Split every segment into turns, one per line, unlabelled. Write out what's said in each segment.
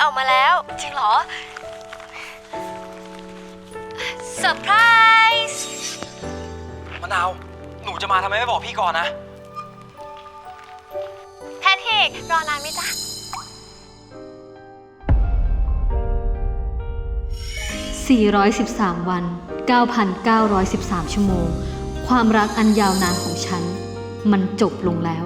ออกมาแล้วจริงเหรอเซอร์ไพรส์
มะนาวหนูจะมาทำไมไม่บอกพี่ก่อนนะ
แพทริกรอนานไหมจ๊ะ
413 วัน 9,913 ชั่วโมงความรักอันยาวนานของฉันมันจบลงแล้ว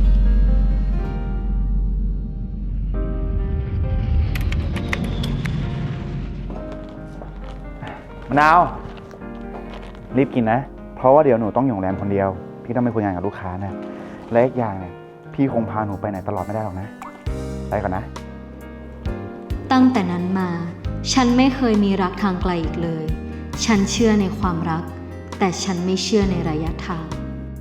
มะนาวรีบกินนะเพราะว่าเดี๋ยวหนูต้องอยู่โรงแรมคนเดียวพี่ต้องไปคุยงานกับลูกค้านะและอีกอย่างเนี่ยพี่คงพาหนูไปไหนตลอดไม่ได้หรอกนะไปก่อนนะ
ตั้งแต่นั้นมาฉันไม่เคยมีรักทางไกลอีกเลยฉันเชื่อในความรักแต่ฉันไม่เชื่อในระยะทาง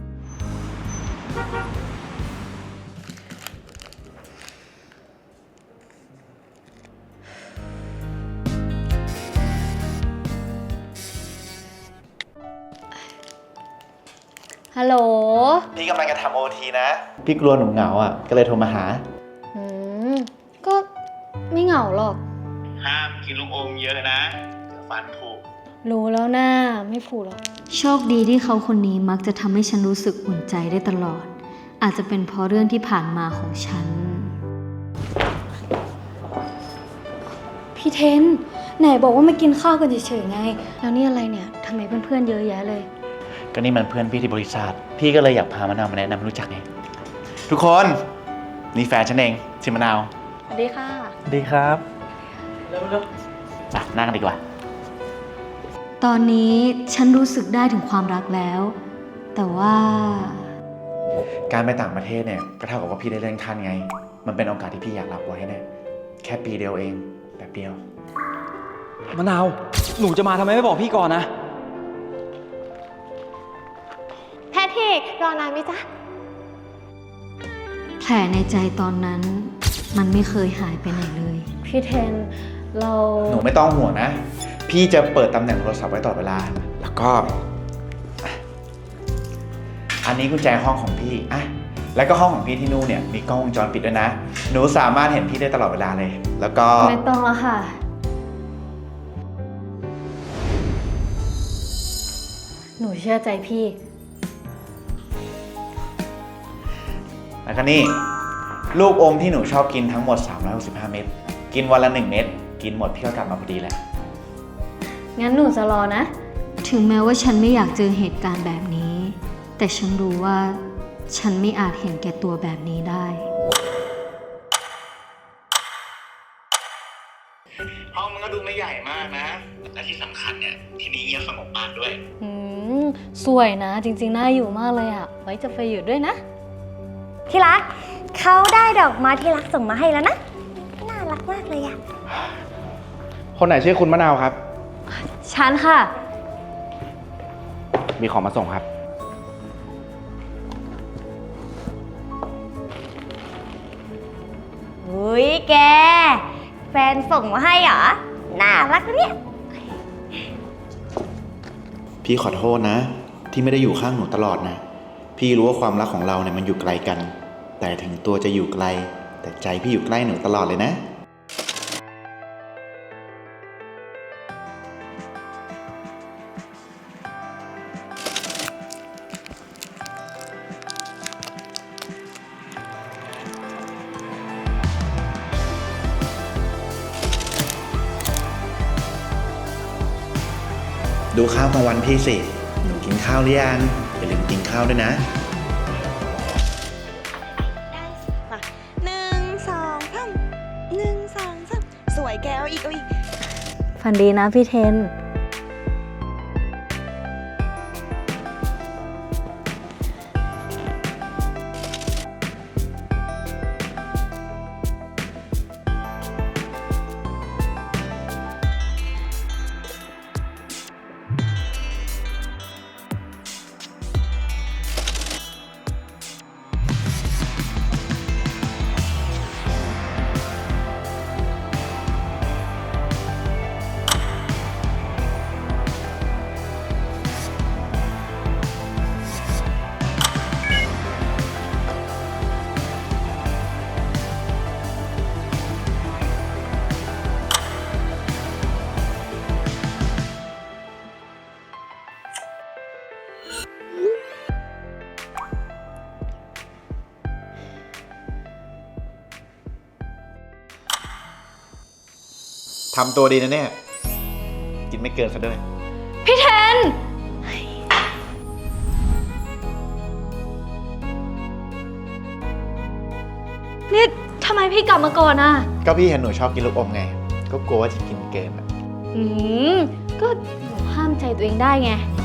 ฮัลโหล
พี่กำลังจะทำโอทีนะพี่กลัวหนูเหงาอ่ะก็เลยโทรมาหา
ก็ไม่เหงาหรอก
ห้ามกินลูกอมเยอะนะเดี๋ยวฟันผุ
รู้แล้วนะไม่ผูกหรอกโชคดีที่เขาคนนี้มักจะทำให้ฉันรู้สึกอุ่นใจได้ตลอดอาจจะเป็นเพราะเรื่องที่ผ่านมาของฉันพี่เทนไหนบอกว่ามากินข้าวกันเฉยๆไงแล้วนี่อะไรเนี่ยทำไมเพื่อนๆเยอะแยะเลย
ก็นี่มันเพื่อนพี่ที่บริษัทพี่ก็เลยอยากพามะนาวมาแนะนำให้รู้จักไงทุกคนนี่แฟนฉันเองชื่อมะนาว
สวัสดีค่ะ
ดีครับเร็วนั่งดีกว่า
ตอนนี้ฉันรู้สึกได้ถึงความรักแล้วแต่ว่า
การไปต่างประเทศเนี่ยก็เท่ากับว่าพี่ได้เลื่อนขั้นไงมันเป็นโอกาสที่พี่อยากรับไว้เนี่ยแค่ปีเดียวเองแบบเดียว
มะนาวหนูจะมาทำไมไม่บอกพี่ก่อนนะ
แพทริกรอนานไหมจ๊ะ
แผลในใจตอนนั้นมันไม่เคยหายไปไหนเลยพี่เทนเรา
หนูไม่ต้องห่วงนะพี่จะเปิดตำแหน่งโทรศัพท์ไว้ตลอดเวลาแล้วก็อันนี้กุญแจห้องของพี่อ่ะแล้วก็ห้องของพี่ที่นู่นเนี่ยมีกล้องวงจรปิดด้วยนะหนูสามารถเห็นพี่ได้ตลอดเวลาเลยแล้วก็
ไม่ต้องแล้วค่ะหนูเชื่อใจพี่
แล้วก็นี่ลูกอมที่หนูชอบกินทั้งหมด365เม็ดกินวันละ1เม็ดกินหมดพี่ก็กลับมาพอดีแหละ
งั้นหนูจะรอนะถึงแม้ว่าฉันไม่อยากเจอเหตุการณ์แบบนี้แต่ฉันรู้ว่าฉันไม่อาจเห็นแก่ตัวแบบนี้ได้
ห้องมันก็ดูไม่ใหญ่มากนะและที่สำคัญเนี่ยที่นี่เงียบสงบมากด้วย
สวยนะจริงๆน่าอยู่มากเลยอ่ะไว้จะไปอยู่ด้วยนะ
ที่รักเขาได้ดอกไม้ที่รักส่งมาให้แล้วนะน่ารักมากเลยอ่ะ
คนไหนชื่อคุณมะนาวครับ
ฉันค่ะ
มีของมาส่งครับ
อุ้ยแกแฟนส่งมาให้เหรอน่ารักนะเนี่ย
พี่ขอโทษนะที่ไม่ได้อยู่ข้างหนูตลอดนะพี่รู้ว่าความรักของเราเนี่ยมันอยู่ไกลกันแต่ถึงตัวจะอยู่ไกลแต่ใจพี่อยู่ใกล้หนูตลอดเลยนะดูข้าวกลางวันพี่สิหนูกินข้าวหรือยังอย่าลืมกินข้าวด้วยนะ
สวยแกเอาอีก
ฝันดีนะพี่เทน
ทำตัวดีนะเนี่ย กินไม่เกินซะด้วย
พี่เทน นี่ทำไมพี่กลับมาก่อนอ่ะ
ก็พี่เห็นหนูชอบกินลูกอมไง ก็กลัวว่าจะกินเกินอะ
ก็หนูห้ามใจตัวเองได้ไง